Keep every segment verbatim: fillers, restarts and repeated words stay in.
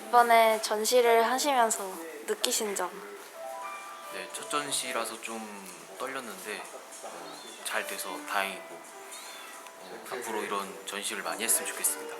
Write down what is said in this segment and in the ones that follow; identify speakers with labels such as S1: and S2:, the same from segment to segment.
S1: 이번에 전시를 하시면서 느끼신 점?
S2: 네, 첫 전시라서 좀 떨렸는데 어, 잘 돼서 다행이고 어, 앞으로 이런 전시를 많이 했으면 좋겠습니다.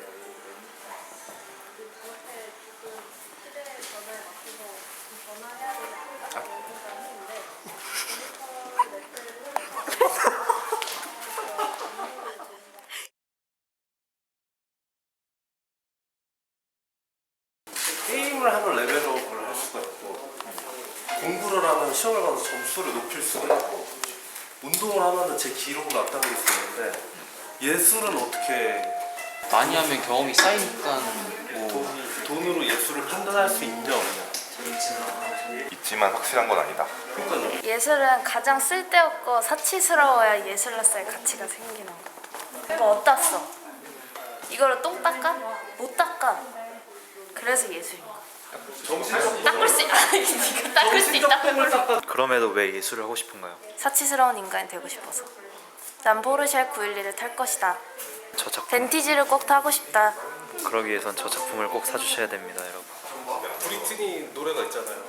S3: 게임을 하면 레벨업을 할 수가 있고, 공부를 하면 시험을 봐서 점수를 높일 수가 있고, 운동을 하면 제 기록을 앞당길 수 있는데, 예술은 어떻게
S2: 많이 하면 경험이 쌓이니까 뭐
S3: 돈, 돈으로 예술을 판단할 수 있냐 없냐.
S4: 있지만 확실한 건 아니다.
S3: 그러니까요.
S1: 예술은 가장 쓸데없고 사치스러워야 예술로서의 가치가 생기는 거. 이거 어디다 써? 이거를 똥 닦아? 못 닦아. 그래서 예술인 거야. 닦을 수 있... 아니 니가 닦을 수 있다.
S5: 그럼에도 왜 예술을 하고 싶은가요?
S1: 사치스러운 인간이 되고 싶어서. 난 포르쉐 구백십일을 탈 것이다.
S5: 저 작품
S1: 벤티지를 꼭 타고 싶다.
S5: 그러기 위해선 저 작품을 꼭 사주셔야 됩니다, 여러분.
S3: 브리트니 노래가 있잖아요.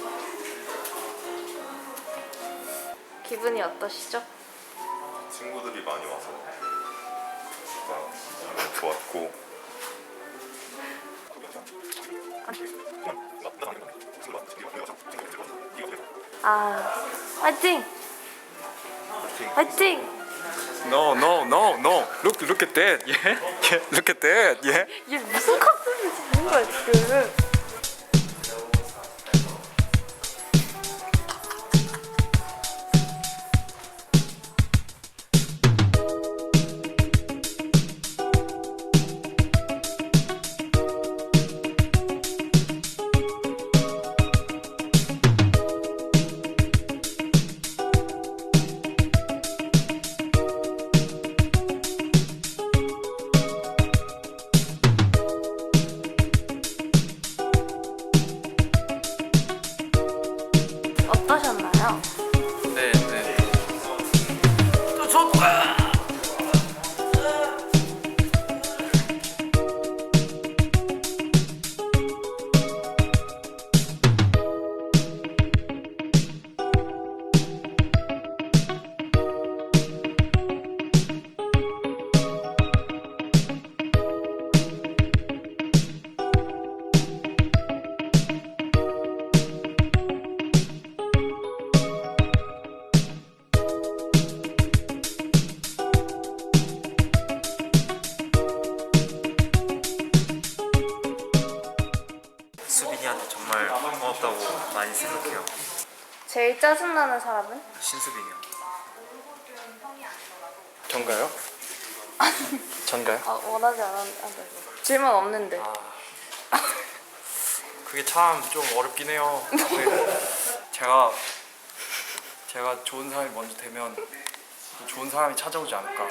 S1: 기분이 어떠시죠?
S4: 친구들이 많이 와서 진짜 좋았고
S1: 아, 화이팅! 화이팅!
S6: No, no, no, no. Look, look at that. Yeah, yeah. Look at that. Yeah.
S1: 얘 무슨 컨셉이 지는 거야 지금? 어떠셨나요?
S2: 네, 네. 또 줬다.
S5: 수빈이한테 정말 고맙다고 많이 생각해요.
S1: 제일 짜증나는 사람은?
S5: 신수빈이요.
S6: 전가요? 전가요?
S1: 아 원하지 않았는데 질문 없는데.
S6: 그게 참 좀 어렵긴 해요. 제가 제가 좋은 사람이 먼저 되면 또 좋은 사람이 찾아오지 않을까.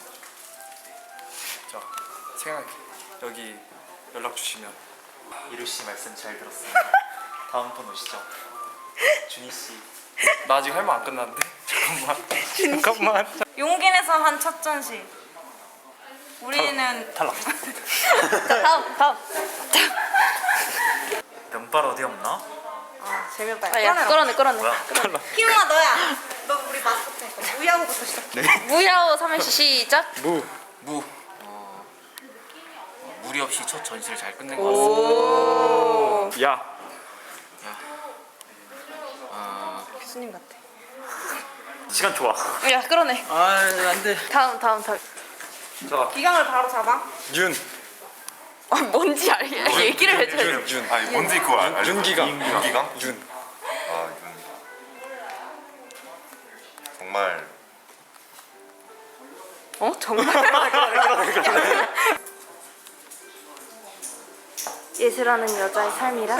S6: 자, 생각 여기 연락 주시면.
S5: 이루 씨 말씀 잘 들었습니다. 다음 분 오시죠. 준희 씨.
S6: 나 아직 할 말 안 끝났는데. 잠깐만. 잠깐만.
S7: 용기 내서 한 첫 전시. 우리는
S5: 탈락.
S1: 자 다음 다음.
S5: 면발 어디 없나?
S7: 아 재미없다.
S1: 아, 야, 끌어내 끌어내.
S5: 탈락.
S7: 희웅아 너야. 너 우리 마스코트니까 무야호부터 시작해.
S1: 무야호 삼행시 시작.
S6: 무.
S2: 무. 어, 무리 없이 첫 전시를 잘 끝낸 것 같습니다.
S6: 야.
S2: 어,
S7: 교수님 같아.
S5: 시간 좋아.
S1: 야 끌어내.
S2: 아, 안 돼.
S1: 다음 다음 다음.
S7: 기강을 바로 잡아.
S6: 윤.
S1: 아, 뭔지 알 얘기를 해줘야 돼.
S6: 윤. 윤.
S4: 아니 뭔지 그거 알, 알죠?
S6: 윤기강.
S4: 윤기강?
S6: 윤.
S4: 아 윤. 정말
S1: 어 정말? 예술하는 여자의 삶이라?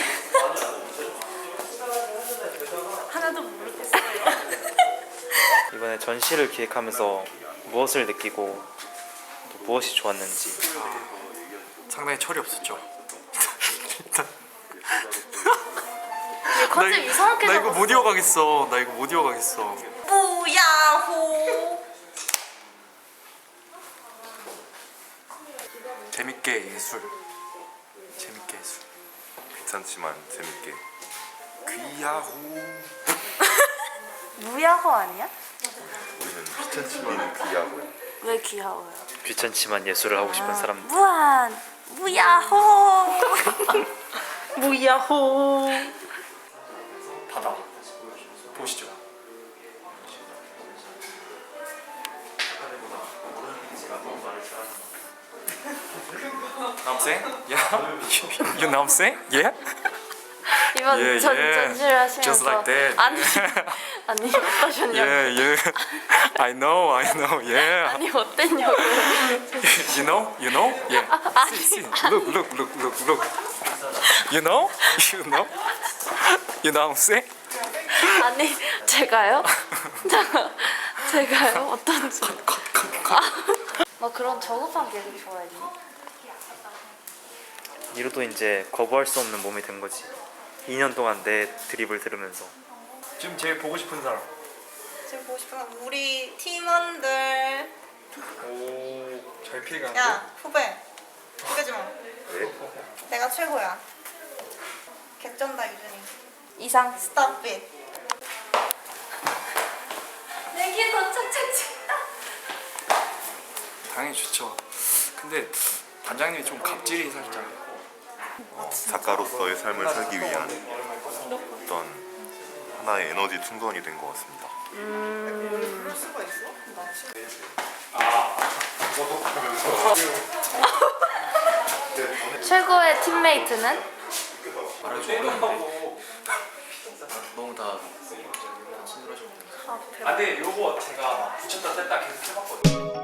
S7: 하나도 모르겠어요.
S5: 이번에 전시를 기획하면서 무엇을 느끼고 또 무엇이 좋았는지.
S6: 상당히 철이 없었죠. 일단
S1: 얘 컨셉 이상하게
S6: 나 이거
S1: 잡았어.
S6: 못 이어가겠어. 나 이거 못 이어가겠어.
S7: 무야호.
S6: 재밌게 예술. 재밌게 예술.
S4: 귀찮지만 재밌게 귀야호.
S1: 무야호 아니야?
S4: 우리는 귀찮지만 귀야호.
S1: 왜 귀여워요?
S5: 귀찮지만 예술을 하고 싶은 사람.
S1: 무한 무야호. 무야호.
S6: 바다 보시죠. 남생? Yeah? You 남생? Yeah?
S1: 이번
S6: 예,
S1: 전,
S6: 예.
S1: 전시를 하시면서
S6: Just like that.
S1: 아니 아니 어떠셨냐고.
S6: Yeah, yeah. I know, I know. Yeah.
S1: 아니 어땠냐고.
S6: You know? You know? Yeah.
S1: 아니
S6: See, see. Look, look, look, look, look. You know? You know? You know what I'm saying?
S1: 아니 제가요? 제가요? 어떤지. 아, 뭐 그런 저급한 개그 좋아했니?
S5: 이로도 이제 거부할 수 없는 몸이 된 거지. 이 년 동안 내 드립을 들으면서.
S6: 지금 제일 보고 싶은 사람.
S7: 지금 보고 싶은 건 우리 팀원들.
S6: 오, 잘 피해가는데?
S7: 야 후배. 후배 좀. 내가 최고야. 개쩐다 유준이.
S1: 이상.
S7: Stop it.
S1: 내게 더 착착 친다.
S6: 당연히 좋죠. 근데 반장님이 좀 갑질이 살짝.
S4: 작가로서의 삶을 살기 위한 어떤 하나의 에너지 충전이 된 것 같습니다.
S7: 그럴 수가 있어?
S1: 최고의 팀메이트는?
S2: 말하기 어려운데 너무 다 친절하셨고
S6: 아, 근데 요거 제가 붙였다 뗐다 계속 해봤거든요.